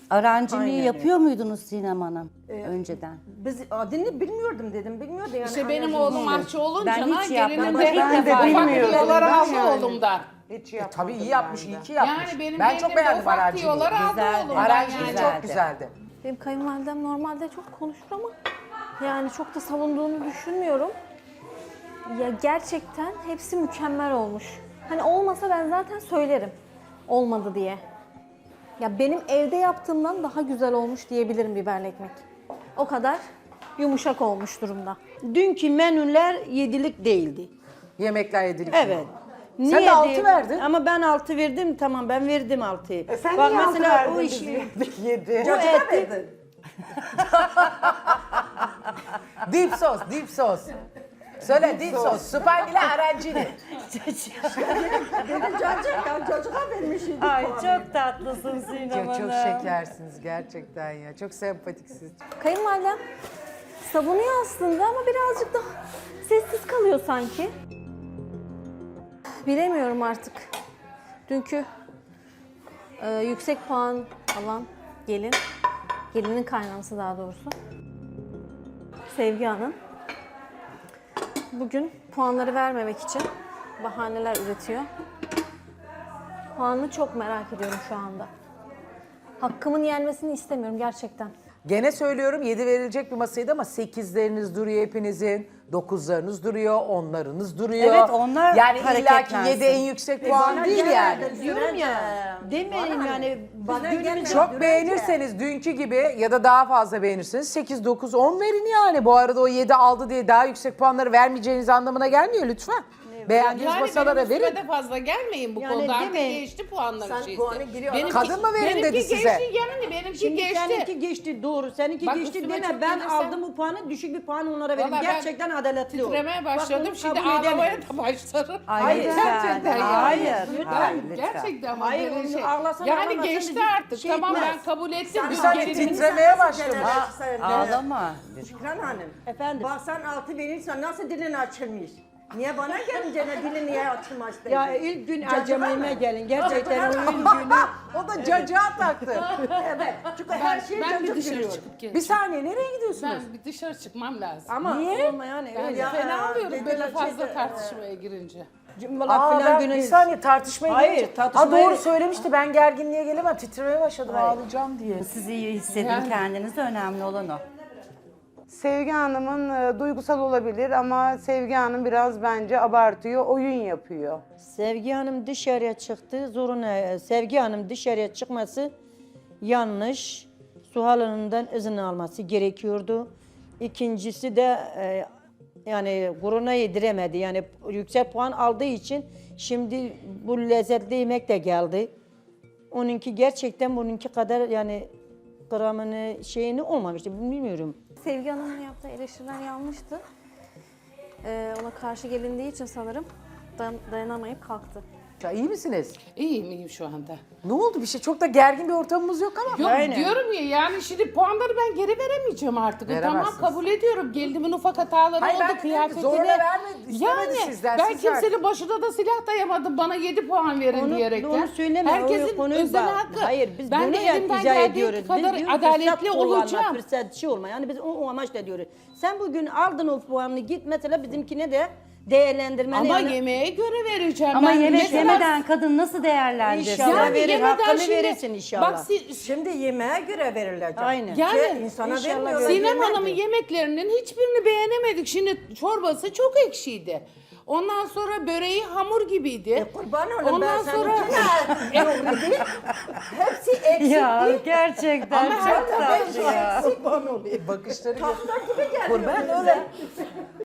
Aranciliği Aynen yapıyor muydunuz Sinem Hanım önceden? Biz adını bilmiyordum dedim. Bilmiyordu yani. İşte benim hani- oğlum aşçı olunca Ben hiç gelinin yapmadım. de Ben ilk de defa bilmiyordum. faktiyoları Ben aldı yani. oğlumdan. Hiç Tabii yapmadım iyi yapmış, ben iyi de. ki yapmış. Yani benim Ben çok gelinim de beğendim o aranciliği. faktiyoları aldı Güzeldi. oğlumdan Aranciliği yani. çok güzeldi. Benim kayınvalidem normalde çok konuşur ama yani çok da savunduğunu düşünmüyorum. Ya gerçekten hepsi mükemmel olmuş. Hani olmasa ben zaten söylerim olmadı diye. Ya benim evde yaptığımdan daha güzel olmuş diyebilirim biberli ekmek. O kadar yumuşak olmuş durumda. Dünkü menüler yedilik değildi. Yemekler yedilik. Evet. Sen de 6 verdin. Ama ben 6 verdim, tamam ben verdim 6'yı. Sen Bak niye altı mesela verdin o biz işi, yedik? 7. bu eti, Dip sos, dip sos. Söyle dip sos. Süper ile arancili. Çocuğa vermişim. Ay çok tatlısın Sinem Çok şekersiniz gerçekten ya. Çok sempatiksiniz. Kayınvalidem savunuyor aslında ama birazcık daha sessiz kalıyor sanki. Bilemiyorum artık. Dünkü yüksek puan alan gelinin kaynanası daha doğrusu, Sevgi Hanım. Bugün puanları vermemek için bahaneler üretiyor. Puanını çok merak ediyorum şu anda. Hakkımın yenmesini istemiyorum gerçekten. Gene söylüyorum 7 verilecek bir masaydı ama 8'leriniz duruyor hepinizin. 9'larınız duruyor, 10'larınız duruyor. Evet, onlar yani illaki hareketlensin. 7 en yüksek puan değil yani. diyorum ya, demeyin yani. Bana gelmedi. Çok beğenirseniz dünkü gibi ya da daha fazla beğenirseniz 8, 9, 10 verin yani. Bu arada o 7 aldı diye daha yüksek puanları vermeyeceğiniz anlamına gelmiyor lütfen. Beğendiğiniz Yani masalara benim üstüme verin. de fazla gelmeyin bu Yani konuda. Artık demeyin. geçti puanlar Sen şeysi. puanı giriyor. Kadın mı verin dedi benimki size? geçti yani benimki Şimdi geçti. seninki geçti doğru, seninki Bak, geçti üstüme deme çok ben gelirsen- aldım bu puanı, düşük bir puan onlara verdim. Vallahi ben Gerçekten adaletli ol. Titremeye Bak, başladım. bunu Şimdi kabul ağlamaya edemiyorum. da başlarım. Ay, lütfen. Gerçekten Hayır, yani. lütfen, Ben lütfen. gerçekten ama Hayır, böyle onu şey. ağlasan Yani ağlamasan geçti bizim artık. şey Tamam etmez. ben kabul ettim. Bir saniye Gelinin- titremeye başladım. Ağlama. Şükran Hanım. Efendim? Bak sen 6 verirsen nasıl dilin açılmış? Niye bana gelince ne dilin niye açılmaz? Ya ilk gün acemime gelin. Gerçekten o ilk günü. O da cacığa taktı. Evet. Çünkü her şey Ben bir cacık dışarı gülüyor. çıkıp Bir geleceğim. saniye nereye gidiyorsunuz? Ben bir dışarı çıkmam lazım. Ama olma yani Ben öyle. fena oluyorum dediler böyle fazla şeyde, tartışmaya girince. Cumbalar Aa, filan ben günü. bir saniye tartışmaya Hayır, gelince- tartışmaya- Ha doğru söylemişti ben gerginliğe gelemem. Titremeye başladım ağlayacağım diye. Siz iyi hissedin Yani- kendinizi, önemli olan o. Sevgi Hanım'ın duygusal olabilir ama Sevgi Hanım biraz bence abartıyor, oyun yapıyor. Sevgi Hanım dışarıya çıktı. Zoruna Sevgi Hanım dışarıya çıkması yanlış. Suhal Hanım'dan izin alması gerekiyordu. İkincisi de yani gururuna yediremedi. Yani yüksek puan aldığı için şimdi bu lezzetli yemek de geldi. Onunki gerçekten bununki kadar yani gramını şeyini olmamıştı. Bilmiyorum. Sevgi Hanım'ın yaptığı eleştiriler yanlıştı. Ona karşı gelindiği için sanırım dayanamayıp kalktı. Ya iyi misiniz? İyiyim şu anda. Ne oldu bir şey? Çok da gergin bir ortamımız yok ama. Yok Aynen. diyorum ya yani şimdi puanları ben geri veremeyeceğim artık. Tamam Veremezsiniz. kabul ediyorum. Geldiğimin ufak hataları Hayır, ben oldu de kıyafetine. zorla vermedi, istemedi sizden, ben siz kimsenin verdiniz. başına da silah dayamadım. Bana 7 puan verin Onu- diyerekten. onu söyleme, Herkesin o konuyu özel bak. hakkı. Hayır, biz ben bunu de elimden izah geldiği ediyoruz. kadar Biz diyoruz, adaletli fırsat kullanma, olacağım. fırsatçı olma. Yani biz o amaçla diyoruz. Sen bugün aldın o puanını git mesela bizimkine de değerlendirmeni. Ama yani, yemeğe göre vereceğim. Ama ben. yemek Mesela- yemeden kadın nasıl değerlendirsin? İnşallah. yani verir, yemeden hakkını şimdi, verirsin inşallah. Bak Şimdi yemeğe göre verilecek. Aynen. Yani insana inşallah vermiyorlar. Sinem yemeğe Hanım'ın göre. yemeklerinin hiçbirini beğenemedik. Şimdi çorbası çok ekşiydi. Ondan sonra böreği hamur gibiydi. Kurban olayım Ondan ben sonra seninkine hepsi eksik Ya değil. gerçekten Ama çok her tatlı ya. Kurban olayım. Bakışları Tahta gibi geliyor Kurban bize. öyle.